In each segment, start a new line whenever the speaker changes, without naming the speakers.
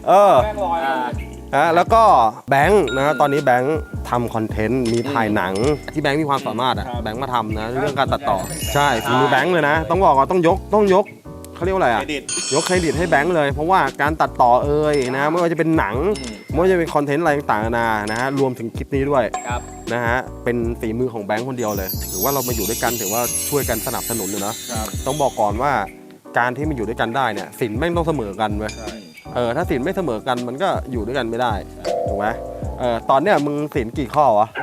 แม่งลอย
แล้วก็แบงค์นะตอนนี้แบงค์ทำคอนเทนต์มีถ่ายหนังที่แบงค์มีความสามารถแบงค์มาทำนะเรื่องการตัดต่อใช่ฝีมือแบงค์เลยนะต้องบอกว่าต้องยกเขาเรียกว่าอะไรยกเครดิตให้แบงค์เลยเพราะว่าการตัดต่อนะไม่ว่าจะเป็นหนังไม่ว่าจะเป็นคอนเทนต์อะไรต่างๆนะฮะรวมถึงคลิปนี้ด้วยนะฮะเป็นฝีมือของแบงค์คนเดียวเลยถือว่าเรามาอยู่ด้วยกันถือว่าช่วยกันสนับสนุนเลยนะต้องบอกก่อนว่าการที่มาอยู่ด้วยกันได้เนี่ยสินแม่งต้องเสมอกันเว้ยถ้าสินไม่เสมอกันมันก็อยู่ด้วยกันไม่ได้ถูกไหมตอนเนี้ยมึงสินกี่ข้อวะ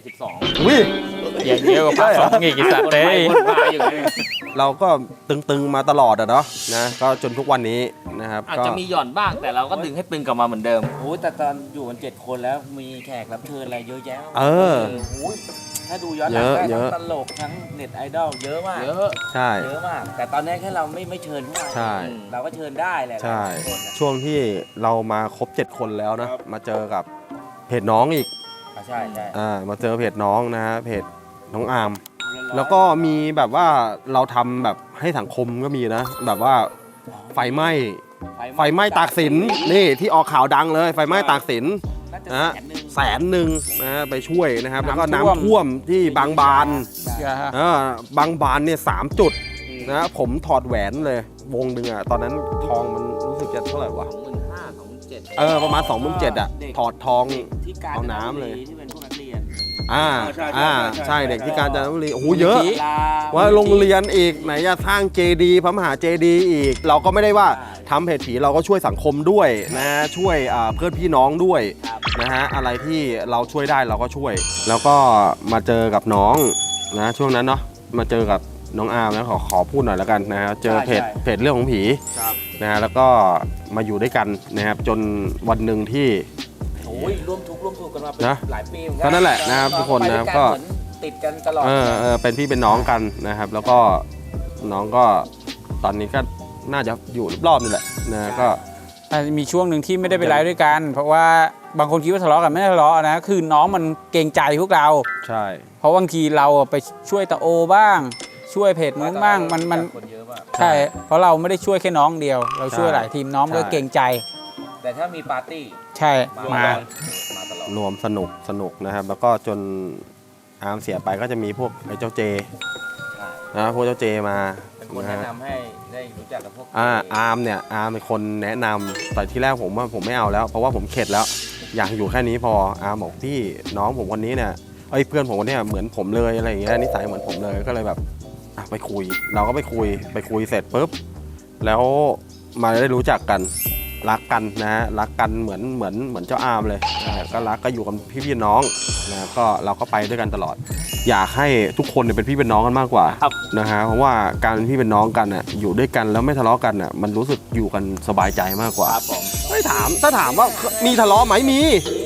72
วิ
เยอะกว่าภาค 2อีกสัตว์เลย
เราก็ตึงๆมาตลอดอะเนาะนะก็จนทุกวันนี้นะครับ
อาจจะมีหย่อนบ้างแต่เราก็ดึงให้ตึงกลับมาเหมือนเดิม
โอ้แต่ตอนอยู่กัน7 คนแล้วมีแขกรับเชิญอะไรเยอะแยะถ้าดูย้อนหลังได้ทั้งตลกทั้งเน็ตไอดอลเยอะมาก
ใช่
เยอะมากแต่ตอนนี้แค่เราไม่เชิญเข้ามาเราก็เชิญได้แหละ
ใช่ช่วงที่เรามาครบ7 คนแล้วนะมาเจอกับเพจน้องอีก
ใช่
มาเจอเพจน้องนะฮะเพจน้องอาร์มแล้วก็มีแบบว่าเราทำแบบให้สังคมก็มีนะแบบว่าไฟไหม้ตากสินนี่ที่ออกข่าวดังเลยไฟไหม้ตากสินนะ100,000นะไปช่วยนะครับแล้วก็น้ำท่วมที่บางบานบางบานเนี่ย3 จุดนะผมถอดแหวนเลยวงหนึ่งอ่ะตอนนั้นทองมันรู้สึกจะเท่าไหร่วะ25,000-27,000ประมาณ27,000อ่ะถอดทองเอาน้ำเลย
ที่เป็นพวกนักเรียน
ใช่เด็กที่กาญจนบุรีโอ้โหเยอะว่าโรงเรียนอีกไหนจะสร้างเจดีย์พระมหาเจดีย์อีกเราก็ไม่ได้ว่าทำเพจผีเราก็ช่วยสังคมด้วยนะช่วยเพื่อนพี่น้องด้วยนะฮะอะไรที่เราช่วยได้เราก็ช่วยแล้วก็มาเจอกับน้องนะช่วงนั้นเนาะมาเจอกับน้องอาร์มนะขอพูดหน่อยแล้วกันนะฮะเจอเพจเรื่องของผีนะฮะแล้วก็มาอยู่ด้วยกันนะครับจนวันหนึ่งที่
ร่วมทุกข์ร่วมสุขกันมาเป็นหลายปี
ก็นั่นแหละนะครับทุกคนนะครับก็
ติดกันตลอด
เป็นพี่เป็นน้องกันนะครับแล้วก็น้องก็ตอนนี้ก็น่าจะอยู่รอบๆนี่แหละนะก็
มีช่วงหนึ่งที่ไม่ได้ไปไลฟ์ด้วยกันเพราะว่าบางคนคิดว่าทะเลาะกันไม่ได้ทะเลาะนะคือน้องมันเกรงใจพวกเรา
ใช่
เพราะบางทีเราไปช่วยตาโอบ้างช่วยเพจนู้นบ้างมันใช่เพราะเราไม่ได้ช่วยแค่น้องเดียวเราช่วยหลายทีมน้องก็เกรงใจ
แต่ถ้ามีปาร์ตี้
ใช่มา
ตลอด
รวมสนุกนะครับแล้วก็จนอาร์มเสียไปก็จะมีพวกไอ้เจ้าเจนะพวกเจ้าเจมา
เป็นคนแนะนำให้ได้รู้จักกับพวก
อาร์มเนี่ยอาร์มเป็นคนแนะนำแต่ที่แรกผมว่าผมไม่เอาแล้วเพราะว่าผมเข็ดแล้วอยากอยู่แค่นี้พออาร์มบอกพี่น้องผมคนนี้เนี่ยเพื่อนผมคนนี้เหมือนผมเลยอะไรอย่างเงี้ยนิสัยเหมือนผมเลยก็เลยแบบไปคุยเราก็ไปคุยเสร็จปุ๊บแล้วมาได้รู้จักกันรักกันนะฮะรักกันเหมือนเจ้าอาร์มเลยก็รักก็อยู่กันพี่น้องนะก็เราก็ไปด้วยกันตลอดอยากให้ทุกคนเนี่ยเป็นพี่เป็นน้องกันมากกว่านะฮะเพราะว่าการเป็นพี่เป็นน้องกันน่ะอยู่ด้วยกันแล้วไม่ทะเลาะกันน่ะมันรู้สึกอยู่กันสบายใจมากกว่าไม่ถามถ้าถามว่ามีทะเลาะไหมมี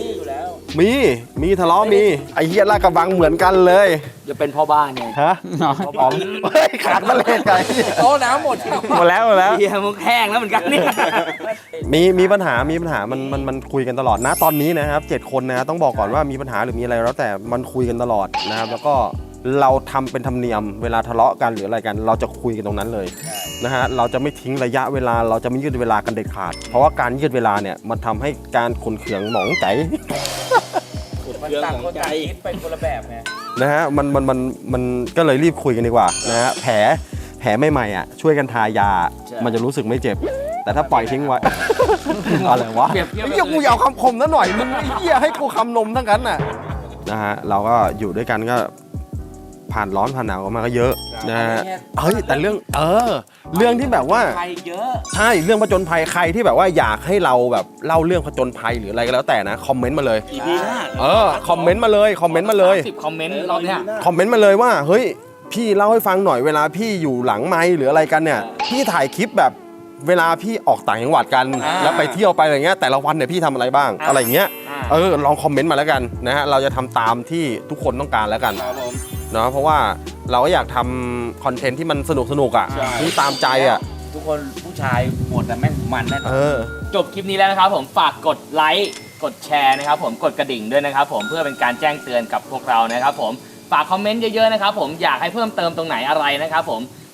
ทะเลาะมีไอ้เหี้ยลาดกระบังเหมือนกันเลย
จะเป็นพ่อบ้านไง
ฮะอ๋อขาดมาเลยไก่
โต๊ะน้ำหมด
แล้ว
เฮียมุกแห้งแล้วเหมือนกันเนี่ย
มีปัญหามันคุยกันตลอดนะตอนนี้นะครับ7 คนนะต้องบอกก่อนว่ามีปัญหาหรือมีอะไรแล้วแต่มันคุยกันตลอดนะครับแล้วก็เราทำเป็นธรรมเนียมเวลาทะเลาะกันหรืออะไรกันเราจะคุยกันตรงนั้นเลยนะฮะเราจะไม่ทิ้งระยะเวลาเราจะไม่ยืดเวลากันเด็ดขาดเพราะว่าการยืดเวลาเนี่ยมันทำให้การขุ่นเคืองหมองใจ
มันต่างคนต่างคิดไปคนละแบบไง
นะฮะมันก็เลยรีบคุยกันดีกว่านะฮะแผลใหม่ๆอ่ะช่วยกันทายามันจะรู้สึกไม่เจ็บแต่ถ้าปล่อยทิ้งไว้อะไรวะไอ้เหี้ยกูอยากคำคมซะหน่อยมึงไอ้เหี้ยให้กูคำนมทั้งนั้นน่ะนะฮะเราก็อยู่ด้วยกันก็ผ่านร้อนผ่านหนาวกันมาก็เยอะนะฮะแต่เรื่องที่แบบว่าใช่เรื่องผจญภัยใครที่แบบว่าอยากให้เราแบบเล่าเรื่องผจญภัยหรืออะไรก็แล้วแต่นะคอมเมนต์มาเลยคอมเมนต์มาเลย10 คอมเมนต์
เราเนี่ย
คอมเมนต์มาเลยว่าเฮ้ยพี่เล่าให้ฟังหน่อยเวลาพี่อยู่หลังไมค์หรืออะไรกันเนี่ยพี่ถ่ายคลิปแบบเวลาพี่ออกต่างจังหวัดกันแล้วไปเที่ยวไปอะไรเงี้ยแต่ละวันเนี่ยพี่ทำอะไรบ้างอะไรเงี้ยลองคอมเมนต์มาแล้วกันนะฮะเราจะทำตามที่ทุกคนต้องการแล้วกันเนาะเพราะว่าเราก็อยากทำคอนเทนต์ที่มันสนุกอ่ะที่ตามใจอ่ะ
ทุกคนผู้ชายหมดแต่แม่งมันแน่
จบคลิปนี้แล้วนะครับผมฝากกดไลค์กดแชร์นะครับผมกดกระดิ่งด้วยนะครับผมเพื่อเป็นการแจ้งเตือนกับพวกเรานะครับผมฝากคอมเมนต์เยอะๆนะครับผมอยากให้เพิ่มเติมตรงไหนอะไรนะครับผม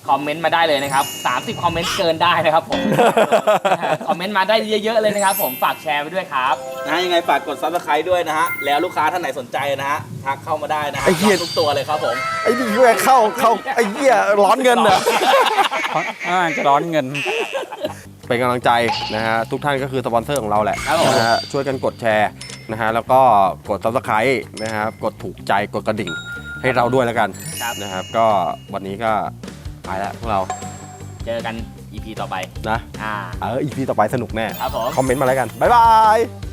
คอมเมนต์มาได้เลยนะครับ30คอมเมนต์เกินได้นะครับผม คอมเมนต์มาได้เยอะๆเลยนะครับผมฝากแชร์ไปด้วยครับ
นะยังไงฝากกด Subscribe ด้วยนะฮะแล้วลูกค้าท่านไหนสนใจนะฮะทักเข้ามาได้นะฮะ
ไอ้เหี้ย
ทุกตัวเลยครับผม
ไอ้นี่แม่งเข้าไอ้เหี้ยร้อนเงินเหรอ
จะร้อนเงิน
เป็นกำลังใจนะฮะทุกท่านก็คือสปอนเซอร์ของเราแหละ
ครับผม
นะฮะช่วยกันกดแชร์นะฮะแล้วก็กด Subscribe นะครับกดถูกใจกดกระดิ่งให้เราด้วยแล้วกัน
ครับ
นะครับก็วันนี้ก็ไปแล้วพวกเรา
เจอกัน EP ต่อไป
นะ
อ่า
อีพีต่อไปสนุกแน่
ครับผม
คอมเมนต์มาแล้วกัน บ๊ายบาย